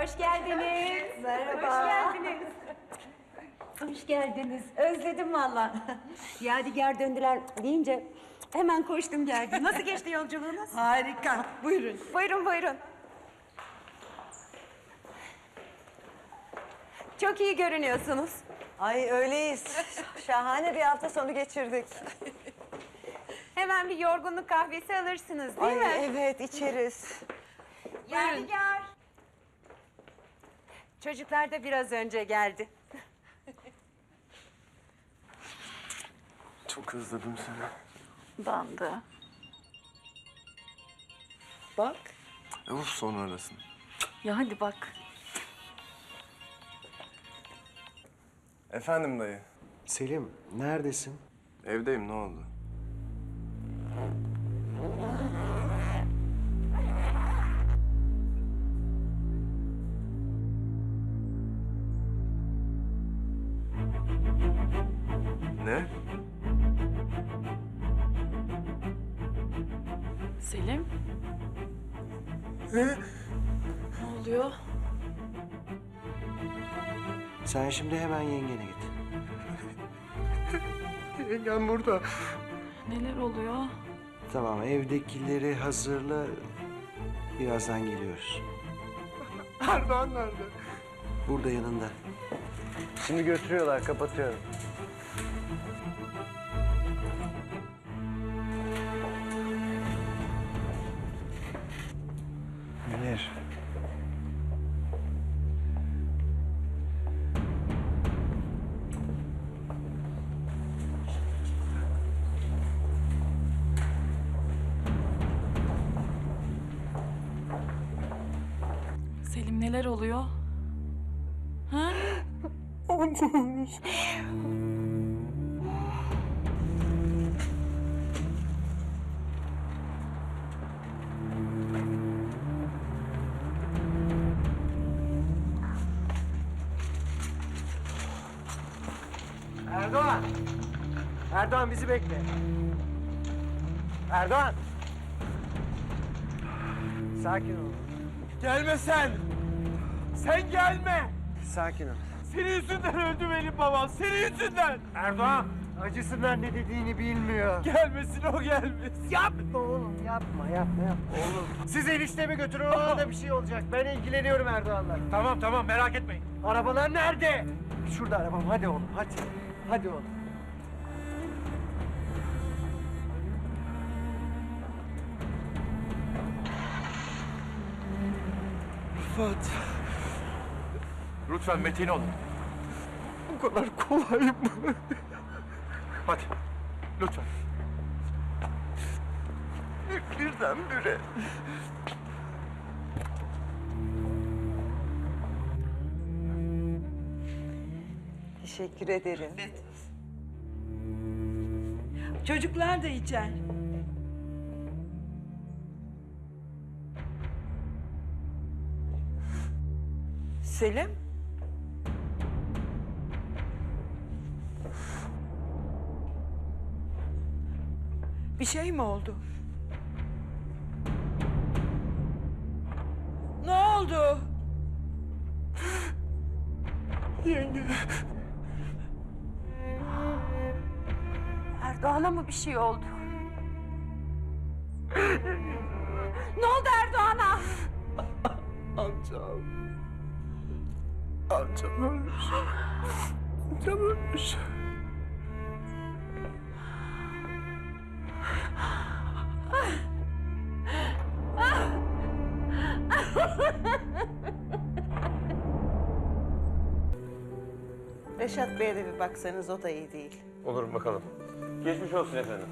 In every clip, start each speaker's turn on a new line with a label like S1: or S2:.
S1: Hoş geldiniz.
S2: Merhaba.
S1: Hoş geldiniz. Hoş geldiniz. Özledim valla. Yadigar döndüler deyince hemen koştum geldim. Nasıl geçti yolculuğunuz?
S2: Harika. Buyurun.
S1: Buyurun buyurun. Çok iyi görünüyorsunuz.
S2: Ay öyleyiz. Şahane bir hafta sonu geçirdik.
S1: Hemen bir yorgunluk kahvesi alırsınız değil
S2: Ay
S1: mi?
S2: evet içeriz.
S1: Yadigar. Çocuklar da biraz önce geldi.
S3: Çok özledim seni.
S1: Ben de.
S2: Bak.
S3: Of sonra arasın.
S1: Ya hadi bak.
S3: Efendim dayı.
S4: Selim, neredesin?
S3: Evdeyim, ne oldu? Ne?
S5: Selim? Ne oluyor?
S4: Sen şimdi hemen yengene git.
S3: Yengem burada.
S5: Neler oluyor?
S4: Tamam, evdekileri hazırla. Birazdan geliyoruz.
S3: Erdoğan nerede?
S4: Burada yanında.
S3: Şimdi götürüyorlar, kapatıyorum.
S4: Münir.
S5: Selim neler oluyor? Ha?
S4: Erdoğan! Erdoğan bizi bekle. Erdoğan! Sakin ol.
S6: Gelme sen! Sen gelme!
S4: Sakin ol.
S6: Senin yüzünden öldü benim babam, senin yüzünden!
S4: Erdoğan! Acısından ne dediğini bilmiyor.
S6: Gelmesin o gelmesin.
S4: Yapma oğlum, yapma. Oğlum. Siz eniştemi götürün, ona da bir şey olacak. Ben ilgileniyorum Erdoğan'la.
S6: Tamam merak etmeyin.
S4: Arabalar nerede? Şurada arabam, hadi oğlum, hadi. Hadi oğlum.
S3: Rıfat.
S6: Lütfen metin olun.
S3: Bu kadar kolay mı?
S6: Hadi, lütfen.
S3: Birdenbire.
S2: Teşekkür ederim.
S7: Çocuklar da içer.
S2: Selim.
S7: Bir şey mi oldu? Ne oldu?
S3: Yenge.
S1: Erdoğan'a mı bir şey oldu? Ne oldu Erdoğan'a?
S3: Amcam. Amcam ölmüş. Amcam ölmüş.
S2: Reşat Bey'e de bir baksanız, o da iyi değil.
S6: Olur bakalım. Geçmiş olsun efendim.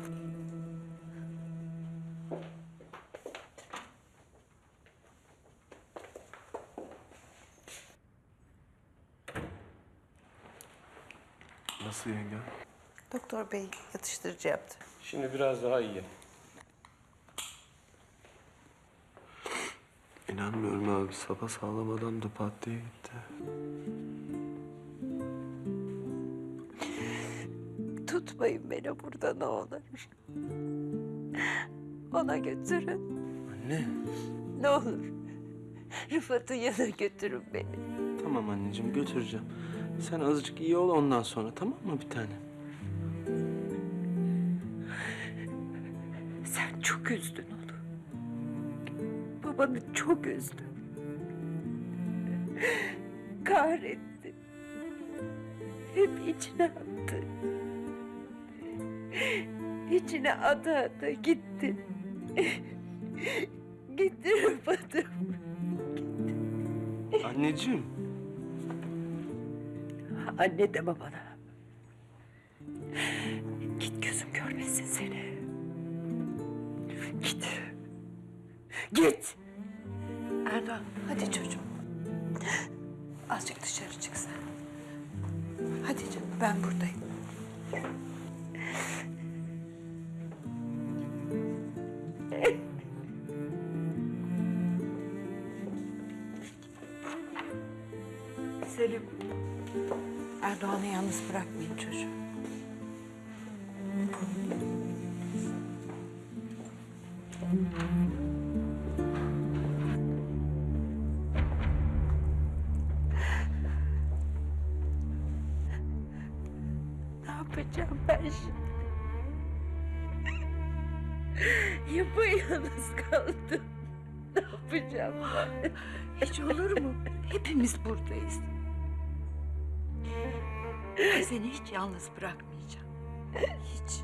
S3: Nasıl yenge?
S2: Doktor Bey yatıştırıcı yaptı.
S6: Şimdi biraz daha iyi.
S3: İnanmıyorum abi. Sapasağlam adam da pat diye gitti.
S1: Tutmayın beni burada ne olur. Ona götürün.
S3: Anne.
S1: Ne olur. Rıfat'ın yanına götürün beni.
S3: Tamam anneciğim götüreceğim. Sen azıcık iyi ol ondan sonra tamam mı bir tane?
S1: Sen çok üzdün onu. Babanı çok üzdün. Kahretti. Hep içine attı. İçine ata gitti. Gitti Rıfat'ım.
S3: Anneciğim.
S1: Anne deme bana. Git gözüm görmesin seni. Git. Git. Erdoğan hadi çocuğum. Azıcık dışarı çık sen. Hadi canım ben buradayım. Selim. Erdoğan'ı yalnız bırakmayın çocuğum. Ne yapacağım ben şimdi? Yapayalnız kaldım. Ne yapacağım ben? Hiç olur mu? Hepimiz buradayız. Ben seni hiç yalnız bırakmayacağım. Hiç.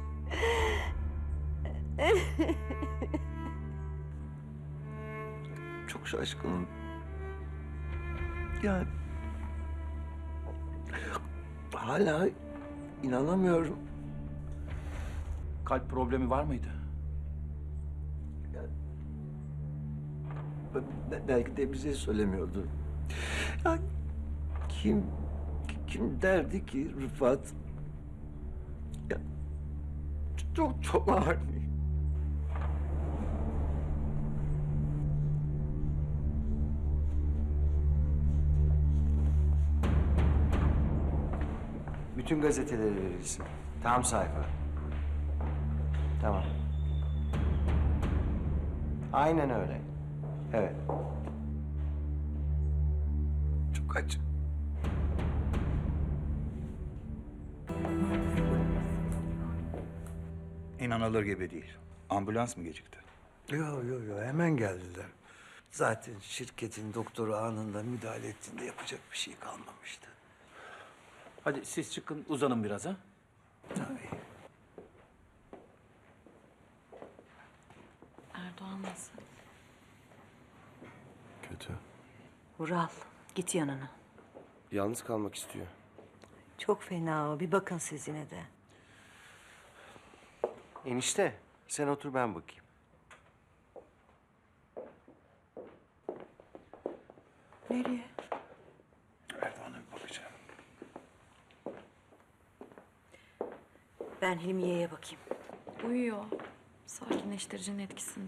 S3: Çok şaşkınım. Yani hala inanamıyorum.
S6: Kalp problemi var mıydı?
S3: Belki de bize söylemiyordu. Ya kim derdi ki Rıfat? Ya, çok ağır.
S4: Bütün gazeteleri verirsin. Tam sayfa. Tamam. Aynen öyle. Evet.
S3: Çok acı.
S8: İnanılır gibi değil. Ambulans mı gecikti?
S9: Yo, hemen geldiler. Zaten şirketin doktoru anında müdahale ettiğinde yapacak bir şey kalmamıştı.
S6: Hadi siz çıkın uzanın biraz ha.
S9: Tabii.
S5: Erdoğan nasıl?
S3: Kötü.
S2: Vural git yanına.
S3: Yalnız kalmak istiyor.
S2: Çok fena o. Bir bakın siz yine de.
S4: Enişte, sen otur ben bakayım.
S2: Nereye?
S8: Erdoğan'a bir bakacağım.
S2: Ben Hilmiye'ye bakayım.
S5: Uyuyor. Sakinleştiricinin etkisinde.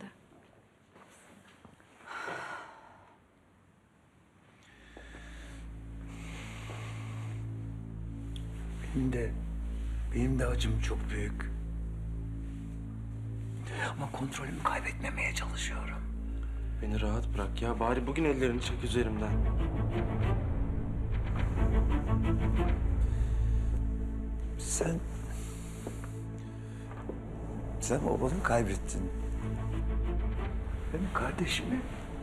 S9: Benim de acım çok büyük. Ama kontrolümü kaybetmemeye çalışıyorum.
S3: Beni rahat bırak ya. Bari bugün ellerini çek üzerimden.
S9: Sen babanı kaybettin. Benim kardeşimi.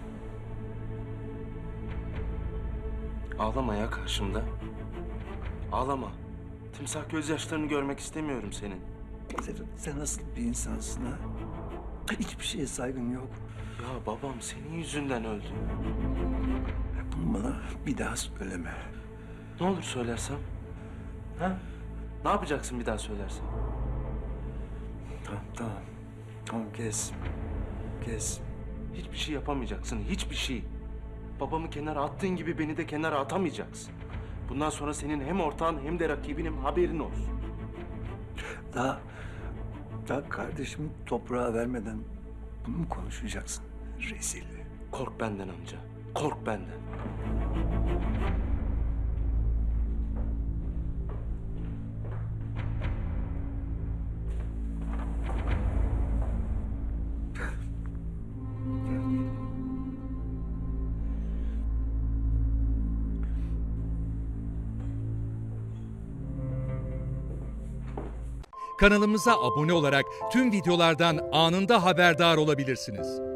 S3: Ağlama ya karşımda. Ağlama. Timsah gözyaşlarını görmek istemiyorum senin.
S9: Sen nasıl bir insansın ha? Hiçbir şeye saygın yok.
S3: Ya babam senin yüzünden öldü.
S9: Bunu bana bir daha söyleme.
S3: Ne olur söylersem? Ha? Ne yapacaksın bir daha söylersem?
S9: Tamam kes.
S3: Hiçbir şey yapamayacaksın, hiçbir şey. Babamı kenara attığın gibi beni de kenara atamayacaksın. Bundan sonra senin hem ortağın hem de rakibinim, haberin olsun.
S9: Daha kardeşimi toprağa vermeden bunu mu konuşacaksın? Rezil.
S3: Kork benden amca, kork benden.
S10: kanalımıza abone olarak tüm videolardan anında haberdar olabilirsiniz.